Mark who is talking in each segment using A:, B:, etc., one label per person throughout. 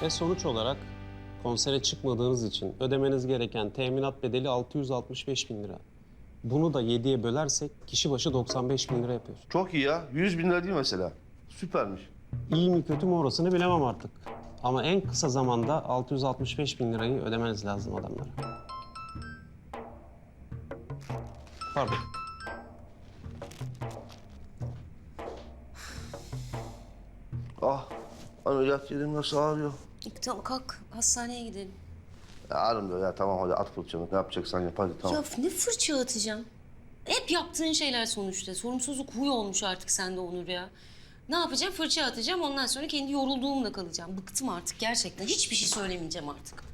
A: Ve sonuç olarak konsere çıkmadığınız için ödemeniz gereken teminat bedeli 665 bin lira. Bunu da 7'ye bölersek kişi başı 95 bin lira yapıyor.
B: Çok iyi ya. 100 bin lira değil mesela. Süpermiş.
A: İyi mi kötü mü orasını bilemem artık. Ama en kısa zamanda 665 bin lirayı ödemeniz lazım adamlara. Pardon.
B: Ah, ameliyat yerim nasıl ağrıyor.
C: Tamam kalk hastaneye gidelim.
B: Ya ağrım ya tamam hadi at fırçanı. Ne yapacaksan yap hadi tamam.
C: Ya ne fırça atacağım? Hep yaptığın şeyler sonuçta. Sorumsuzluk huy olmuş artık sende Onur ya. Ne yapacağım? Fırça atacağım. Ondan sonra kendi yorulduğumla kalacağım. Bıktım artık gerçekten. Hiçbir şey söylemeyeceğim artık.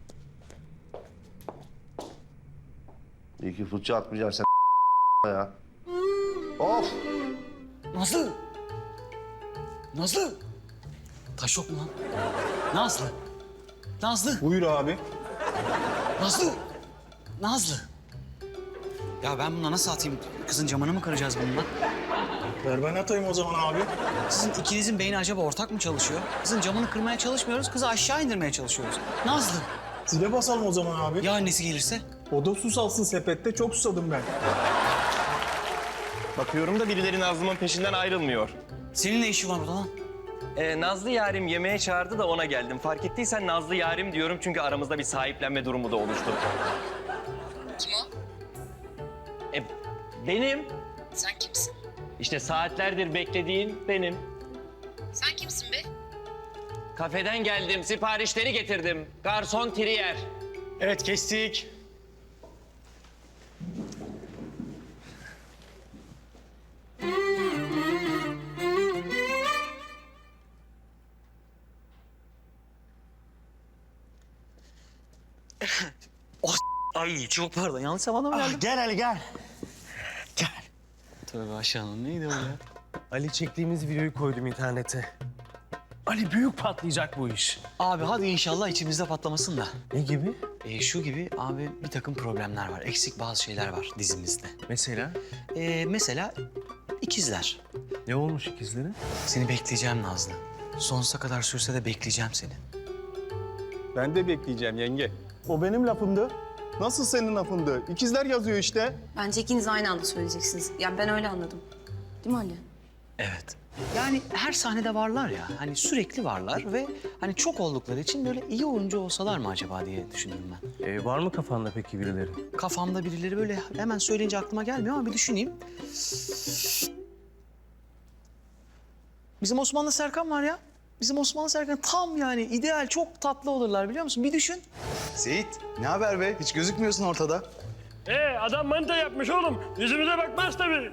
B: İyi ki fırça atmayacaksın sen ya. Of!
D: Nazlı! Nazlı! Taş yok mu lan? Nazlı! Nazlı!
E: Buyur abi.
D: Nazlı! Nazlı! Ya ben buna nasıl atayım? Kızın camını mı kıracağız bununla?
E: Ver ben atayım o zaman abi.
D: Sizin ikinizin beyni acaba ortak mı çalışıyor? Kızın camını kırmaya çalışmıyoruz, kızı aşağı indirmeye çalışıyoruz. Nazlı!
E: Zile basalım o zaman abi.
D: Ya annesi gelirse?
E: O da su salsın sepette. Çok susadım ben.
F: Bakıyorum da birileri Nazlı'nın peşinden ayrılmıyor.
D: Senin ne işin var burada lan?
F: Nazlı yarim yemeğe çağırdı da ona geldim. Fark ettiysen Nazlı yarim diyorum çünkü aramızda bir sahiplenme durumu da oluştu.
C: Kim o?
F: Benim.
C: Sen kimsin?
F: İşte saatlerdir beklediğin benim.
C: Sen kimsin be?
F: Kafeden geldim, siparişleri getirdim. Garson Trier.
E: Evet kestik.
D: Ay çok pardon, yanlış zamanda mı geldim?
E: Gel Ali gel.
D: Tövbe aşağının neydi o ya?
G: Ali çektiğimiz videoyu koydum internete. Ali büyük patlayacak bu iş.
D: Abi hadi inşallah içimizde patlamasın da.
G: Ne gibi?
D: Şu gibi abi bir takım problemler var. Eksik bazı şeyler var dizimizde.
G: Mesela?
D: Mesela ikizler.
G: Ne olmuş ikizlere?
D: Seni bekleyeceğim Nazlı. Sonsuza kadar sürse de bekleyeceğim seni.
E: Ben de bekleyeceğim yenge. O benim lafımdı. Nasıl senin lafındı? İkizler yazıyor işte.
C: Bence ikiniz aynı anda söyleyeceksiniz. Ya ben öyle anladım. Değil mi Ali?
D: Evet. Yani her sahnede varlar ya. Hani sürekli varlar ve hani çok oldukları için böyle iyi oyuncu olsalar mı acaba diye düşündüm ben.
G: Var mı kafanda peki birileri?
D: Kafamda birileri böyle hemen söyleyince aklıma gelmiyor ama bir düşüneyim. Bizim Osmanlı Serkan var ya. Bizim Osmanlı Serkan tam yani ideal, çok tatlı olurlar biliyor musun? Bir düşün.
H: Seyit, ne haber be? Hiç gözükmüyorsun ortada.
I: Adam manita yapmış oğlum. Yüzümüze bakmaz tabii.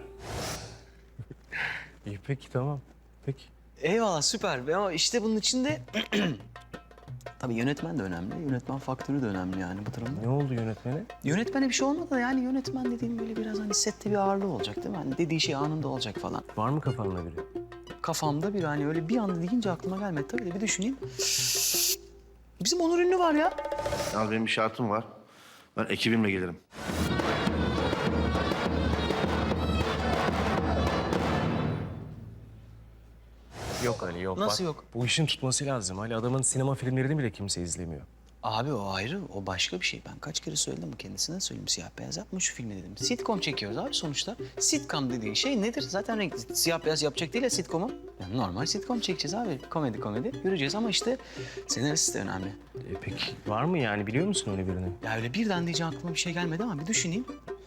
G: İyi peki tamam. Peki.
D: Eyvallah süper. Ama işte bunun içinde tabii yönetmen de önemli. Yönetmen faktörü de önemli yani bu durumda.
G: Ne oldu yönetmene?
D: Yönetmene bir şey olmadı da yani yönetmen dediğim böyle biraz hani sette bir ağırlığı olacak değil mi? Hani dediği şey anında olacak falan.
G: Var mı kafanda biri?
D: Kafamda bir hani öyle bir anda deyince aklıma gelmedi. Tabii de bir düşüneyim. Bizim Onur Ünlü var ya.
B: Yalnız benim bir şartım var. Ben ekibimle gelirim.
G: Yok Ali yok.
D: Nasıl
G: Bak,
D: yok?
G: Bu işin tutması lazım. Ali adamın sinema filmlerini bile kimse izlemiyor.
D: Abi o ayrı, o başka bir şey. Ben kaç kere söyledim kendisine söyleyeyim. Siyah beyaz yapma şu filmi dedim. Sitcom çekiyoruz abi sonuçta. Sitcom dediğin şey nedir? Zaten renkli. Siyah beyaz yapacak değil ya sitcom'u. Yani normal sitcom çekeceğiz abi. Komedi yürüyeceğiz ama işte senarist de önemli.
G: Peki var mı yani biliyor musun öyle birini?
D: Ya öyle birden diyeceğim aklıma bir şey gelmedi ama bir düşüneyim.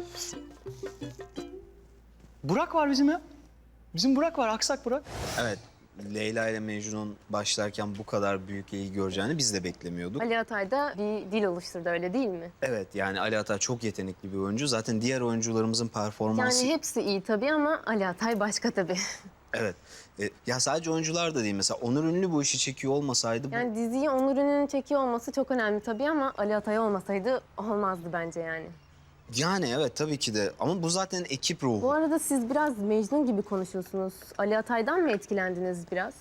D: Burak var bizim ya. Bizim Burak var, Aksak Burak.
H: Evet, Leyla ile Mecnun başlarken bu kadar büyük ilgi göreceğini biz de beklemiyorduk.
J: Ali Atay da bir dil oluşturdu öyle değil mi?
H: Evet, yani Ali Atay çok yetenekli bir oyuncu. Zaten diğer oyuncularımızın performansı...
J: Yani hepsi iyi tabii ama Ali Atay başka tabii.
H: Evet. Ya sadece oyuncular da değil. Mesela Onur Ünlü bu işi çekiyor olmasaydı...
J: Yani diziyi Onur Ünlü'nün çekiyor olması çok önemli tabii ama Ali Atay olmasaydı olmazdı bence yani.
H: Yani evet tabii ki de. Ama bu zaten ekip ruhu.
J: Bu arada siz biraz Mecnun gibi konuşuyorsunuz. Ali Atay'dan mı etkilendiniz biraz?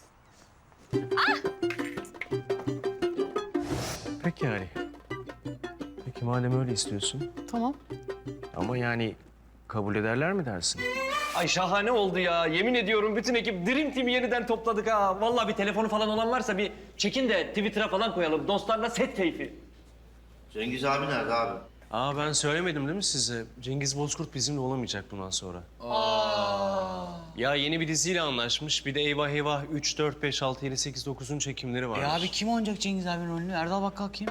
G: Peki Ali. Peki madem öyle istiyorsun.
D: Tamam.
G: Ama yani kabul ederler mi dersin?
F: Ay şahane oldu ya. Yemin ediyorum bütün ekip Dream Team'i yeniden topladık ha. Vallahi bir telefonu falan olan varsa bir Çekin de Twitter'a falan koyalım. Dostlarla set keyfi.
B: Cengiz abi nerede abi?
G: Aa ben söylemedim değil mi size? Cengiz Bozkurt bizimle olamayacak bundan sonra. Ya yeni bir diziyle anlaşmış. Bir de Eyvah Eyvah 3, 4, 5, 6, 7, 8, 9'un çekimleri var.
D: Abi kim oynayacak Cengiz abinin rolünü? Erdal Bakkal kim?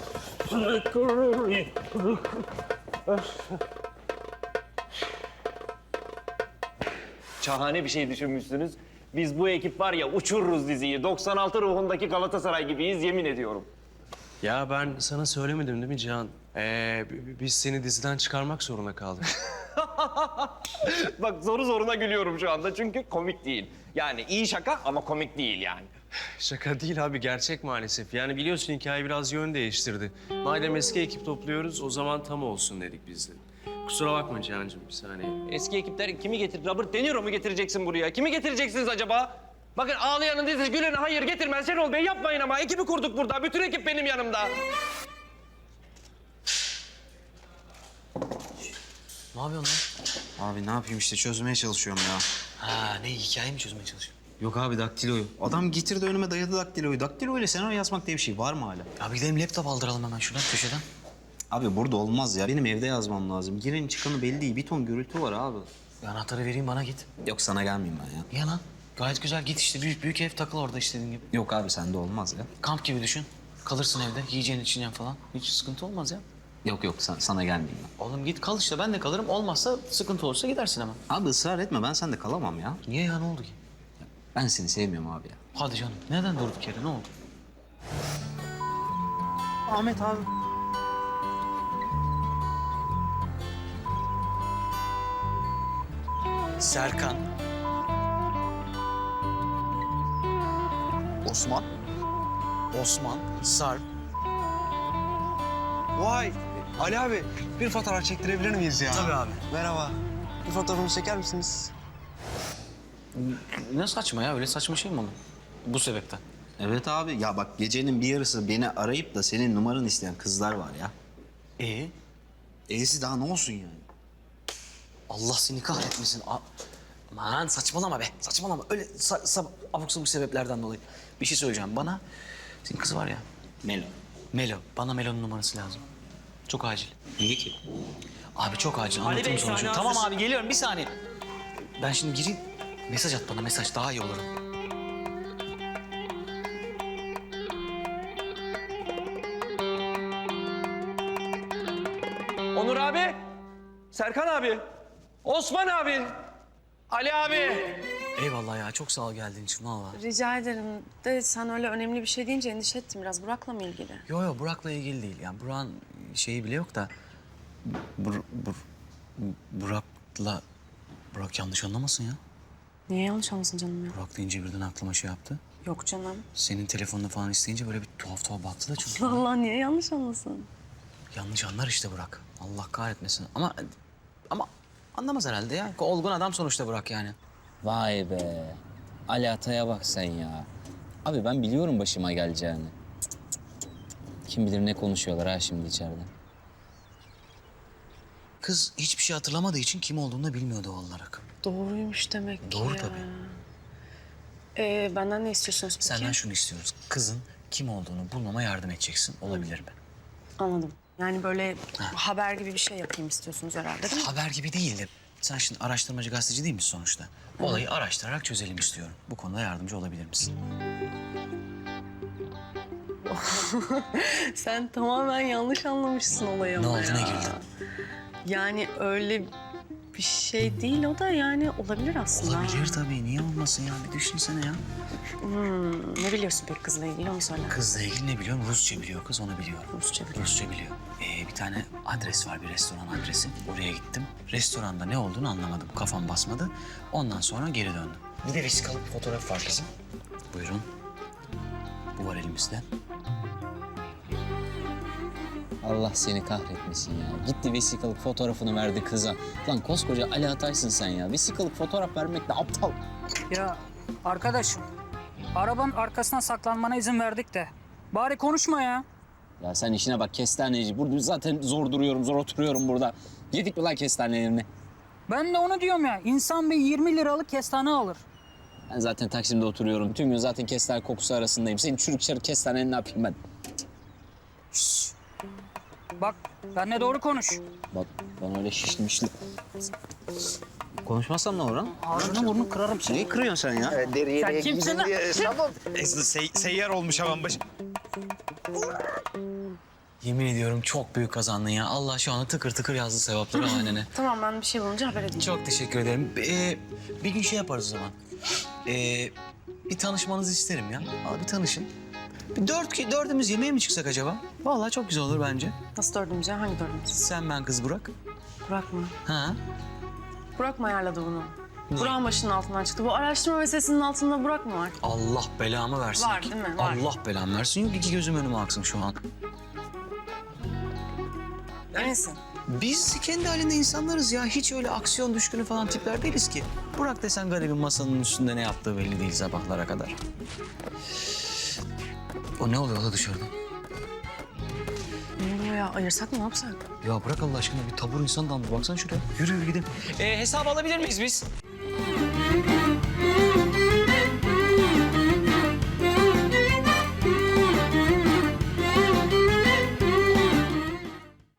F: Şahane bir şey düşünmüşsünüz. Biz bu ekip var ya uçururuz diziyi. 96 ruhundaki Galatasaray gibiyiz yemin ediyorum.
G: Ya ben sana söylemedim değil mi Cihan? Biz seni diziden çıkarmak zorunda kaldık.
F: Bak zoru zoruna gülüyorum şu anda çünkü komik değil. Yani iyi şaka ama komik değil yani.
G: Şaka değil abi, gerçek maalesef. Yani biliyorsun hikaye biraz yön değiştirdi. Madem eski ekip topluyoruz, o zaman tam olsun dedik biz de. Kusura bakma Cihan'cığım, bir saniye.
F: Eski ekipler kimi getir? Robert De Niro mu getireceksin buraya? Kimi getireceksiniz acaba? Bakın ağlayanın dizisi gülene hayır getirmez. Şenol Bey yapmayın ama. Ekibi kurduk burada. Bütün ekip benim yanımda.
D: Ne yapıyorsun lan?
H: Abi ne yapayım işte çözmeye çalışıyorum ya.
D: Ha ne hikaye mi çözmeye çalışıyorsun?
H: Yok abi daktiloyu. Adam getirdi önüme dayadı daktiloyu. Daktilo ile senaryo yazmak diye bir şey var mı hala?
D: Abi gidelim laptop aldıralım hemen şuradan köşeden.
H: Abi burada olmaz ya. Benim evde yazmam lazım. Giren çıkanı belli değil. Bir ton gürültü var abi.
D: Anahtarı vereyim bana git.
H: Yok sana gelmeyeyim ben ya.
D: Niye lan? Gayet güzel git işte büyük ev takıl orada istediğin gibi.
H: Yok abi sende olmaz ya.
D: Kamp gibi düşün. Kalırsın evde yiyeceğin içeceğin falan. Hiç sıkıntı olmaz ya.
H: Yok sana gelmeyeyim ben.
D: Oğlum git kal işte ben de kalırım. Olmazsa sıkıntı olursa gidersin hemen.
H: Abi ısrar etme ben sende kalamam ya.
D: Niye ya ne oldu ki?
H: Ben seni sevmiyorum abi ya.
D: Hadi canım. Neden durduk yere ne oldu?
H: Ahmet abi.
D: Serkan. Osman. Sarp.
K: Vay Ali abi bir fotoğraf çektirebilir miyiz ya?
D: Tabii abi.
K: Merhaba. Bir fotoğrafımı çeker misiniz?
D: Ne saçma ya öyle saçma şey mi olur? Bu sebepten.
H: Evet abi ya bak gecenin bir yarısı beni arayıp da senin numaranı isteyen kızlar var ya. E'si daha ne olsun yani?
D: Allah seni kahretmesin. Aman saçmalama be. Saçmalama. Öyle abuk sabuk sebeplerden dolayı. Bir şey söyleyeceğim. Bana senin kız var ya. Melo. Bana Melo'nun numarası lazım. Çok acil.
H: Niye ki?
D: Abi çok acil.
F: Ali
D: Anlatırım
F: Bey,
D: sonra.
F: sahne
D: Tamam
F: hazır.
D: abi geliyorum bir saniye. Ben şimdi gireyim. Mesaj at bana mesaj daha iyi olurum.
F: Onur abi. Serkan abi. Osman abi. Ali abi.
D: Eyvallah ya çok sağ ol geldiğin için valla.
L: Rica ederim de sen öyle önemli bir şey deyince endişe ettim biraz. Burak'la mı ilgili?
D: Yo Burak'la ilgili değil. Yani Burak'ın şeyi bile yok da... Burak yanlış anlamasın ya.
L: Niye yanlış anlasın canım ya?
D: Burak deyince birden aklıma şey yaptı.
L: Yok canım.
D: Senin telefonunu falan isteyince böyle bir tuhaf baktı da çünkü.
L: Allah niye yanlış anlasın?
D: Yanlış anlar işte Burak. Allah kahretmesin. Ama anlamaz herhalde ya. Olgun adam sonuçta Burak yani.
M: Vay be. Ali Atay'a bak sen ya. Abi ben biliyorum başıma geleceğini. Kim bilir ne konuşuyorlar ha şimdi içeride.
D: Kız hiçbir şey hatırlamadığı için kim olduğunu da bilmiyor doğal olarak.
L: Doğruymuş demek ki
D: Doğru
L: ya.
D: tabii.
L: Benden ne istiyorsunuz peki?
D: Senden şunu istiyoruz. Kızın kim olduğunu bulmama yardım edeceksin. Olabilir mi?
L: Anladım. Yani böyle haber gibi bir şey yapayım istiyorsunuz herhalde değil mi?
D: Haber gibi değil de sen şimdi araştırmacı gazeteci değil misin sonuçta? Olayı araştırarak çözelim istiyorum. Bu konuda yardımcı olabilir misin?
L: Sen tamamen yanlış anlamışsın olayı
D: Ne
L: ama
D: oldu,
L: ya.
D: ne güldün?
L: Yani öyle bir şey değil o da yani olabilir aslında.
D: Olabilir tabii. Niye olmasın ya? Bir düşünsene ya.
L: Ne biliyorsun peki kızla ilgili onu söyle.
D: Kızla ilgili ne biliyorum? Rusça biliyor kız, onu biliyorum.
L: Rusça biliyor.
D: Bir tane adres var, bir restoran adresi. Oraya gittim. Restoranda ne olduğunu anlamadım. Kafam basmadı. Ondan sonra geri döndüm. Bir de vesikalık fotoğraf var kızım. Buyurun. Bu var elimizde.
M: Allah seni kahretmesin ya. Gitti vesikalık fotoğrafını verdi kıza. Lan koskoca Ali Atay'sın sen ya. Vesikalık fotoğraf vermek de aptal.
N: Ya arkadaşım, arabanın arkasına saklanmana izin verdik de. Bari konuşma ya.
M: Ya sen işine bak kestaneci. Burada zaten zor duruyorum, zor oturuyorum burada. Yedik mi lan kestanelerini?
N: Ben de onu diyorum ya. İnsan bir 20 liralık kestane alır.
M: Ben zaten Taksim'de oturuyorum. Tüm gün zaten kestane kokusu arasındayım. Senin çürük çarık kestaneni ne yapayım ben?
N: Bak benimle doğru konuş.
M: Bak ben öyle şişmişli.
D: Konuşmazsam ne olur lan?
N: Ağzını burnunu kırarım seni.
D: Neyi kırıyorsun sen ya?
N: Sen kimsin lan?
H: Seyyar olmuş hemen başı.
D: Yemin ediyorum çok büyük kazandın ya. Allah şu anda tıkır tıkır yazdı sevapları hanene.
L: Tamam ben bir şey bulunca haber edeyim.
D: Çok teşekkür ederim. Bir gün şey yaparız o zaman. Bir tanışmanızı isterim ya. Bir tanışın. Dördümüz yemeğe mi çıksak acaba? Vallahi çok güzel olur bence.
L: Nasıl dördümüz ya? Hangi dördümüz?
D: Sen, ben, kız Burak.
L: Burak mı?
D: Ha?
L: Burak mı ayarladı bunu? Burak'ın başının altından çıktı. Bu araştırma meselesinin altında Burak mı var?
D: Allah belamı versin.
L: Var değil mi? Var.
D: Allah belamı versin. Yok iki gözüm önüme aksın şu an.
L: Eminsin.
D: Biz kendi halinde insanlarız ya. Hiç öyle aksiyon düşkünü falan tipler değiliz ki. Burak desen garibin masanın üstünde ne yaptığı belli değil sabahlara kadar. O ne oluyor o da dışarıda?
L: Ne oluyor ya? Ayırsak mı? Ne yapsak?
D: Ya bırak Allah aşkına bir tabur insan damlı. Baksana şuraya. Yürü gidelim. Hesap alabilir miyiz biz?